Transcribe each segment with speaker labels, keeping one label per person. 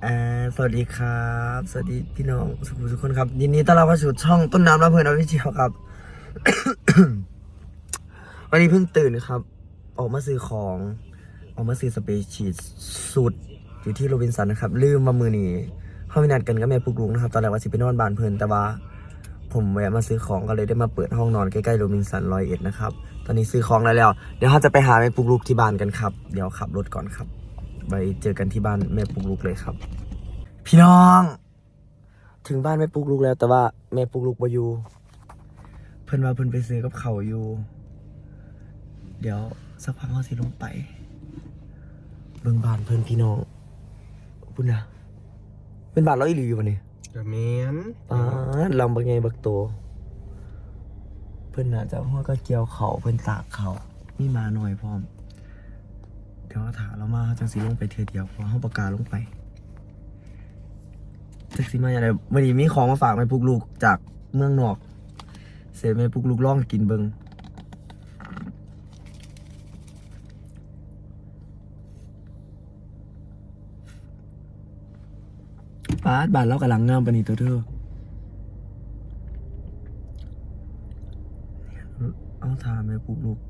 Speaker 1: สวัสดีครับสวัสดีพี่น้องทุกคนครับยินดีต้อนรับเข้าสู่ช่องต้นน้ำรับเพลินออฟฟิเชียลครับ วันนี้เพิ่งตื่นครับออกมาซื้อของออกมาซื้อสเปรย์ชีทสูตรอยู่ที่โรบินสันนะครับลืมมามือนี้เข้าไปนัดกันกับแม่ปุกลุงนะครับตอนแรกว่าสิไปนอนบ้านเพลินแต่ว่าผมแวะมาซื้อของก็เลยได้มาเปิดห้องนอนใกล้ๆโรบินสัน101นะครับตอนนี้ซื้อของได้แล้วเดี๋ยวเราจะไปหาแม่ปุกลุกที่บ้านกันครับเดี๋ยวขับรถก่อนครับไปเจอกันที่บ้านแม่ปุกลุกเลยครับพี่น้องถึงบ้านแม่ปุกลุกแล้วแต่ว่าแม่ปุกลุกบ่อยู่เพิ่นว่าเพิ่นไปซื้อกับเขาอยู่เดี๋ยวสักพักเขาสิลงไปเบิ่งบ้านเพิ่นพี่น้องพุ่นนะเป็นบ้านเราอีหลีอยู่ปะเนี่ย
Speaker 2: กระเมน
Speaker 1: ลำบักไงบักโตเพิ่นน่าจะหัวก็เกี่ยวเขาเพิ่นตากเขามีมาหน่อยพร้อมเดี๋ยวถามเรามาจังสิลงไปเทื่อเดียวเพราะเขาประกาศลงไปจักสิมาอย่างไรวันนี้มีของมาฝากแม่ปุกลูกจากเมืองนอกเสร็จแม่ปุกลูกลองกินเบิ่งบ้านเรากำลังงามปานนี้ตัวเธอเอาถามแม่ปุกลูก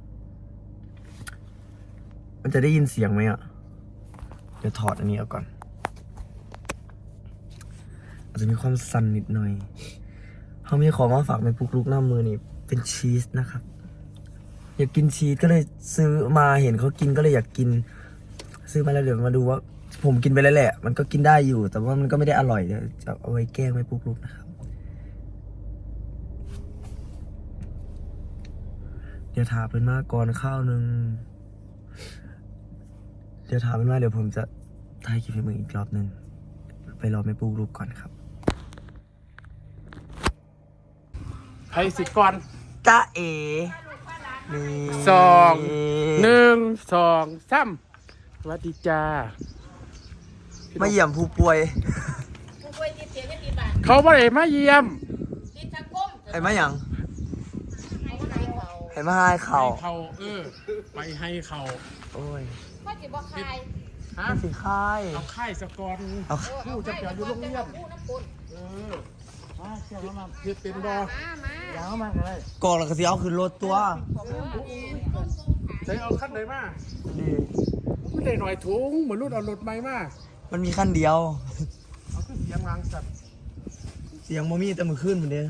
Speaker 1: มันจะได้ยินเสียงไหมอ่ะเดี๋ยวถอดอันนี้ออกก่อนอาจจะมีความสั่นนิดหน่อยเขามีของมาฝากแม่ปุกลูกหน้ามือนี่เป็นชีสนะครับอยากกินชีสก็เลยซื้อมาเห็นเขากินก็เลยอยากกินซื้อมาแล้วเดี๋ยวมาดูว่าผมกินไปแล้วแหละมันก็กินได้อยู่แต่ว่ามันก็ไม่ได้อร่อยเดี๋ยวจะเอาไว้แกล้งแม่ปุกลูกนะครับเดี๋ยวถามเป็นมาก่อนข้าวนึงเดี๋ยวถามเป็นว่าเดี๋ยวผมจะถ่ายคลิปให้มึงอีกรอบนึงไปรอแม่ปุกลูกก่อนครับ
Speaker 2: ไทยสิก่อน
Speaker 1: จ้าเอ๋
Speaker 2: สองหนึ่งสองสามสวัสดีจ้า
Speaker 1: มาเยี่ยมผู้ป่วย
Speaker 2: เขาบ่ได้มาเยี่ยม
Speaker 1: ไอ้มาหยังไอ้มาให้เขา
Speaker 2: ไปให้เขา
Speaker 1: โอ้ย
Speaker 3: ว่าจิบ่คาย
Speaker 2: ฮะ
Speaker 1: สิค่าย
Speaker 2: เอาไข่สกอนผู้จะเกี่ยวอยู่โรงเรียนมาเกี่ยวมาเพียเป็นบอยาวมาเลย
Speaker 1: กองแล้วก็สิเอาขึ้นรถตัว
Speaker 2: ใช้เอาขั้นไหนมา
Speaker 1: ดี
Speaker 2: ไม่ได้หน่อยถุงเหมือนรุ่นเอารถไม้มา
Speaker 1: มันมีขั้นเดียว
Speaker 2: เอาขึ้นเสียงรังสัตว์
Speaker 1: เสียงโมมี่แต่มือขึ้นเหมือนเดิม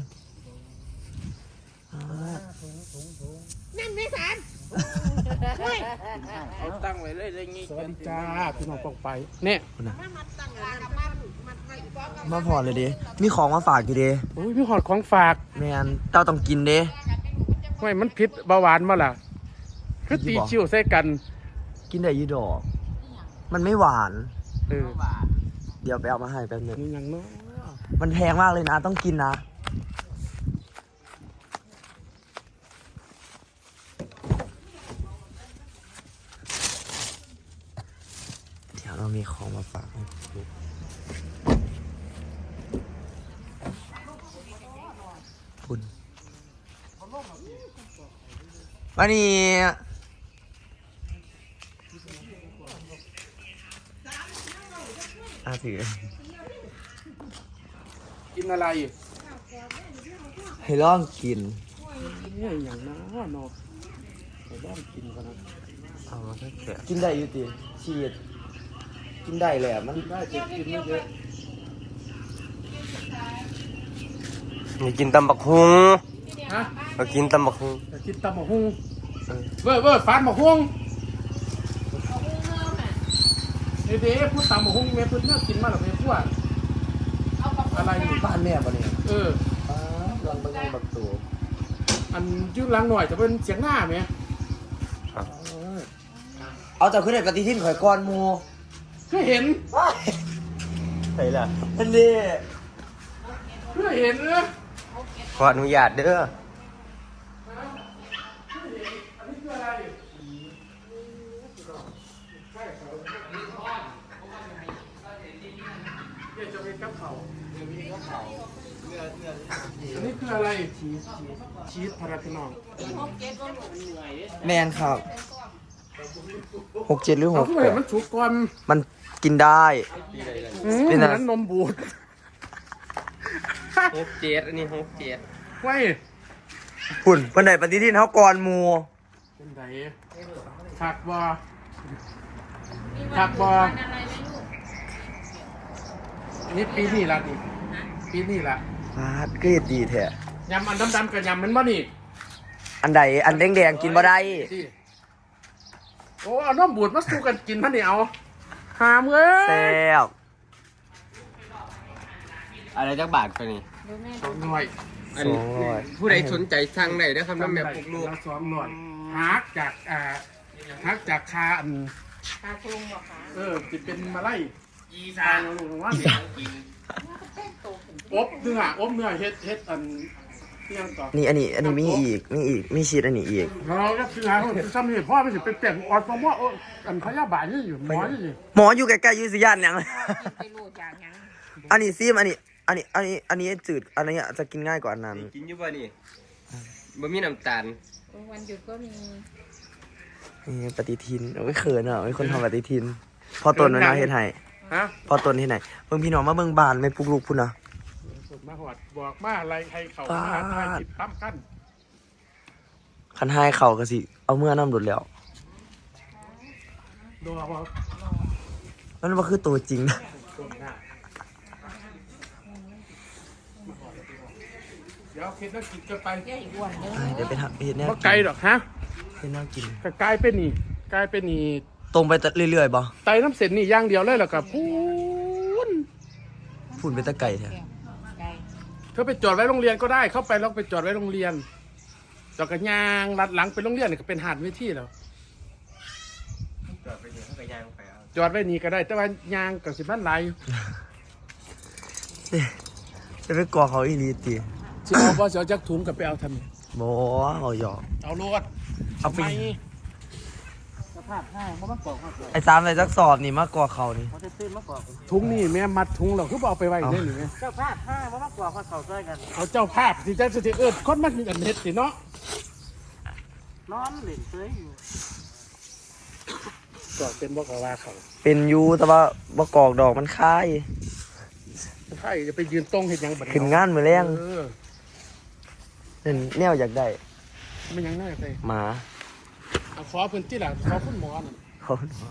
Speaker 3: นั่นไม่สาร
Speaker 2: เอาตั้งไว้เลยเลยงี้สวัสดีจ้าพี่น้องปองไปเนี่ย
Speaker 1: มาพอเลยดิมีของมาฝากอยู่ดิ
Speaker 2: โอ้ยพี่หอดของฝาก
Speaker 1: แมนเจ้าต้องกินดิ
Speaker 2: ไม่มันพิษเบาหวานมาล่ะคือตีชิวใส่กัน
Speaker 1: กินได้ยี่ดอกมันไม่หวาน
Speaker 2: เ
Speaker 1: ดี๋ยวไปเอามาให้แป๊บนึง
Speaker 2: นี่ยังเนาะ
Speaker 1: มันแพงมากเลยนะต้องกินนะเดี๋ยวเรามีของมาฝากคุณวันนี้ถือ
Speaker 2: กินอะไร
Speaker 1: ให้ลองกิน
Speaker 2: เนี่ยอย่างน้าเนาะให้ลองกินกันนะ
Speaker 1: เอามาแค่กินได้อยู่ติชีสกินได้เลยอ่ะมัน
Speaker 2: ได้จะกินไม่เยอะ
Speaker 1: มีกินตำบักฮุง
Speaker 2: ฮะ
Speaker 1: มากินตำบักฮุง
Speaker 2: กินตำบักฮุงเว้ยฟานบักฮุงเดี๋ยวพูดตำบักฮุงแม่พูดเนี่ยกินมาหรอแม่พูดอะไร
Speaker 1: บ้านแม่ปะเนี่ยลองไปลองบักตัว
Speaker 2: อันยืดล้างหน่อยจะเป็นเสียงหน้าไหม
Speaker 1: เอาจากขึ้นในปฏิทินข่อยก้อนมู
Speaker 2: ก็เห็น
Speaker 1: ใช่ละอันนี้
Speaker 2: ก็เห็นนะ
Speaker 1: ขออนุญาตเด้อ
Speaker 2: จะเป็นกับเขาอันนี้คืออะไรชีสพาราพินอง
Speaker 1: แมนครับ67หรือ
Speaker 2: 6มันสุกก่อน
Speaker 1: มันแกกินได้ เป็นอะไร
Speaker 2: นั้นนมบูด
Speaker 4: 67อันนี้67
Speaker 2: ไว้
Speaker 1: หุ่นวันไหนปฏิทินเขาก่อนหมู
Speaker 2: เป็นไงผักบอ
Speaker 3: มี
Speaker 2: ผักบอ
Speaker 3: วันอะไรไหมลูก
Speaker 2: นี่ปีนี้ละนี่ปีนี้ละ
Speaker 1: ฟาดเกรดดีแท้
Speaker 2: ยำอันดำๆกับยำมันบ่นี่
Speaker 1: อันใดอันแดงๆกินบ่ได้
Speaker 2: ที่โอ้เอานมบูดมาสู้กันกินมันนี่เอาหามเอ้
Speaker 1: แซ่
Speaker 2: ย
Speaker 1: บ
Speaker 4: อะไรจักบาทไปนี่
Speaker 3: เดี๋ยวแม่
Speaker 2: สองหน่อย
Speaker 4: อันผู้ใดสนใจสั่งได้เด้อครับน้ำแม่ปลุกลูก
Speaker 2: สองหน่อยฮักจากคาอัน
Speaker 3: ตาคลุงบอกค่ะ
Speaker 2: จะเป็นมาไล่อีสานลงว่าเนี่ยอบเนื้อเฮ็ดอันเที่ยงต่อ
Speaker 1: นี่อันนี้มีอีกมีชีสอันนี้อีก
Speaker 2: เราก็คือหาคนซ้ำนี่พ่อไม่สิเป็นเปลี่ยนออดฟอร์มว่าอันพยาบาลนี่อยู่หมอนี่
Speaker 1: หมออยู่ใกล้ๆอยู่สิย่านหยัง
Speaker 3: กินไปลูกอย่างยัง
Speaker 1: อันนี้ซีมอันนี้จืดอันนี้จะกินง่ายกว่าอันนั้น
Speaker 4: กินอยู่บ่นี่บ่มีน้ำตาล
Speaker 3: วันหยุดก็มี
Speaker 1: นี่ปฏิทินโอ้ยเขินอ่ะมีคนทำปฏิทินพอตนนะเฮ็ดให้
Speaker 2: ฮะ
Speaker 1: พอตนเฮ็ดให้เบิ่งพี่น้องมาเบิ่งบานแม่ปลุกลูกพุ่นน่ะ
Speaker 2: มาหอดบอกมาอะไรให้เขามาทายจิตตั้มกัน
Speaker 1: คันให้เขาก็สิเอาเมื่อน้ำดุดแล้ว
Speaker 2: ดูเอา
Speaker 1: มันบ่คือตัวจริงนะ
Speaker 2: เดี๋ยวคิดว่ากินกันไป
Speaker 3: เที่ยวอีกวันเด้อ
Speaker 1: เดี๋ยวไปทำเฮ็ดแนว
Speaker 2: ว่า
Speaker 1: กิ
Speaker 2: ไกล
Speaker 1: น
Speaker 2: หรอกฮะ
Speaker 1: เฮ็ดแนวกิน
Speaker 2: ก็กลายเป็นนี่
Speaker 1: ตรงไปเรื่อยๆบ่
Speaker 2: ไตน้ำเส้นนี่อย่างเดียวเลยแล้วก็พูน
Speaker 1: ฝุ่นไปแตะไก่แท้
Speaker 3: ไก่
Speaker 2: เธอไปจอดไว้โรงเรียนก็ได้เข้าไปแล้วไปจอดไว้โรงเรียนจอดกันยางลัดหลังไปโรงเรียนนี่ก็เป็นหาดเวทีแล้ว
Speaker 4: จอดไปนี่เขาก็ย่างไปเอา
Speaker 2: จอดไว้นี่ก็ได้แต่ว่ายางกับสิบบ้านไหลาย
Speaker 1: จะไปกลัวเขาอีหลีติ
Speaker 2: สิเอาบ่สิเอาจักถุงกับไปเอาทำไม
Speaker 1: บ่เอาหยอก
Speaker 2: เอาโลด
Speaker 1: เอาไป
Speaker 2: ไม่สภาพห้างเพราะมันกรอกมา
Speaker 1: ไอ้3ใส่จักสอบนี่มากกว่าเขานี่
Speaker 3: เขาจะตื้นมากกว่า
Speaker 2: ถุงนี่แม่มัดถุงเราคือบ่เอาไปไว้ได้หรือไง
Speaker 3: เจ้าภาพห้าเพราะมากกว่าเขาเขาช่วยกัน
Speaker 2: เอาเจ้าภาพที่จะสิคนมันมีอันเฮ็ดสิเนาะ
Speaker 3: นอนเหล่นเซยอยู่
Speaker 2: ก็เป็นบ่ก็ว่าเขา
Speaker 1: เป็นอยู่แต่ว่าบ่กอกดอกมันคาย
Speaker 2: ใช่จะไปยืนตรงเฮ็ดหยังบัด
Speaker 1: ขึ้นงานมื้อแรง
Speaker 2: เออ
Speaker 1: นั่นแนวอยากได้
Speaker 2: ไม่หยังน่าไป
Speaker 1: หมา
Speaker 2: เอาขอพื้นที่ล่ะขอคุณหมอน่ะ
Speaker 1: เขา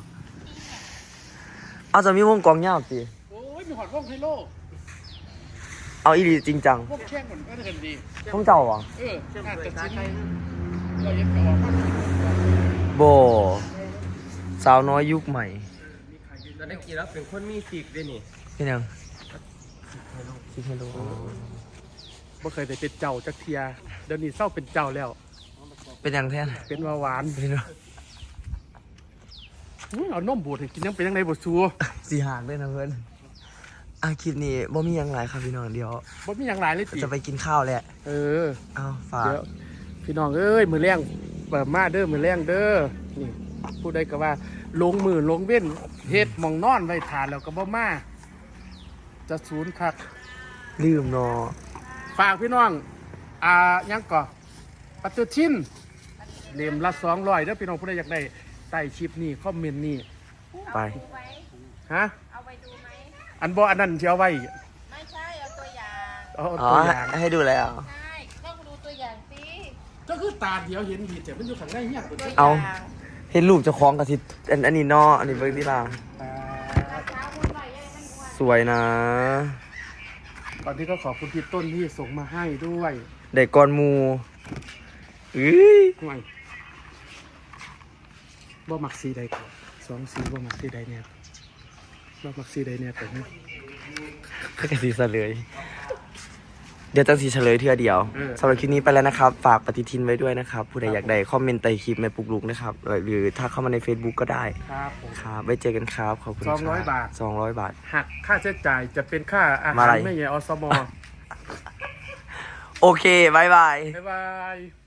Speaker 1: เอาจะมีวงกลองยาวสิ
Speaker 2: โอ้ยมีหอดวงไฮโล
Speaker 1: เอาอีหลีจริงจัง
Speaker 2: วงแข่งมันก็ได้กันดี
Speaker 1: ต้องเจ้าเหรอ
Speaker 2: น่าจะชิ้นเราเย็นก็ออกมา
Speaker 1: โบสาวน้อยยุคใหม่
Speaker 4: ตอนนี้กินแล้วเป็นคนมีสิกด้วยนี่
Speaker 1: เป็นยังคิดให้รู้
Speaker 2: บ่เคยได้เป็นเจ้าจักเทียเดี๋ยวนี้เศร้าเป็นเจ้าแล้ว
Speaker 1: เป็นยังแท้น
Speaker 2: เป็นว่าหวาน
Speaker 1: เป็นยัง
Speaker 2: เอานมบูดให้กินยังเป็นยังไงบ่ซัว
Speaker 1: สีหางด้วยนะเพื่อนคลิปนี้บ่มีหยังหลายครับพี่น้องเดี๋ยว
Speaker 2: บ่มีหยังหลายเลยติ
Speaker 1: จะไปกินข้าวแหละ
Speaker 2: เออ
Speaker 1: เอาฝาก
Speaker 2: เดี๋ยวพี่น้องเอ้ยมือแรงเปิดมาเด้อมือแรงเด้อนี่ผู้ใดก็ว่าลงมือลงเว้นเฮ็ดหมองนอนไว้ทานแล้วก็บ่มาจะศูนย์คัก
Speaker 1: ลืมเนาะ
Speaker 2: ฝากพี่น้องยังก่อปฏิทินเล่มละ200เด้อพี่น้องผู้ใดอยากได้ใต้คลิปนี้คอมเมนต์นี้
Speaker 1: ไป
Speaker 3: ดูไหม
Speaker 2: ฮะ
Speaker 3: เอาไปดูไหม
Speaker 2: อันบ่อันนั้นสิเอาไว้
Speaker 3: ไม่ใช่เอาตัวอย่าง
Speaker 2: เอา
Speaker 1: อ๋อ
Speaker 2: ตัวอย่าง
Speaker 1: ให้ดูแล้ว
Speaker 3: ใช่ต้องดูตัวอย่างสิ
Speaker 2: ก็คือตาเดียวเห็นผิดแต่มันอยู่ข้างในเฮียตัว
Speaker 3: ตัว
Speaker 2: นี้
Speaker 3: ย่
Speaker 1: เอา
Speaker 3: ง
Speaker 1: เห็นรูปเจะคล้าของกับทิอันนี้เนาะอันนี้เบิ่งที่ลา
Speaker 3: เช้าพูดหน่อยยังมันอ้วน
Speaker 1: สวยนะ
Speaker 2: ตอนนี้ก็ขอบคุณพี่ต้นที่ส่งมาให้ด้วย
Speaker 1: ได้ก่อนหมูอื้ย
Speaker 2: ห่วยบ่มักสีใดก่อน2สีบ่มักสีใดเนี่ยบ่มักสีใดเนี่ยแต่นี่
Speaker 1: ก็จะสีเฉลย เดี๋ยวจะสีเฉลยเทื่อเดียวสำหรับคลิปนี้ไปแล้วนะครับ ฝากปฏิทินไว้ด้วยนะครับ ผู้ใดอยากได้คอมเมนต์ใต้คลิปแม่ปลุกลุกนะครับ หรือถ้าเข้ามาใน Facebook ก็ได้
Speaker 2: ครับผม
Speaker 1: ครับไว้เจอกันครับ ขอบคุณครับ
Speaker 2: 200 บาท
Speaker 1: 200 บาท
Speaker 2: หักค่าใช้จ่ายจะเป็นค่าอา
Speaker 1: มา
Speaker 2: หา
Speaker 1: อะไร
Speaker 2: รไม่ใหญ่อสม
Speaker 1: โอเคบายบาย
Speaker 2: บ๊ายบาย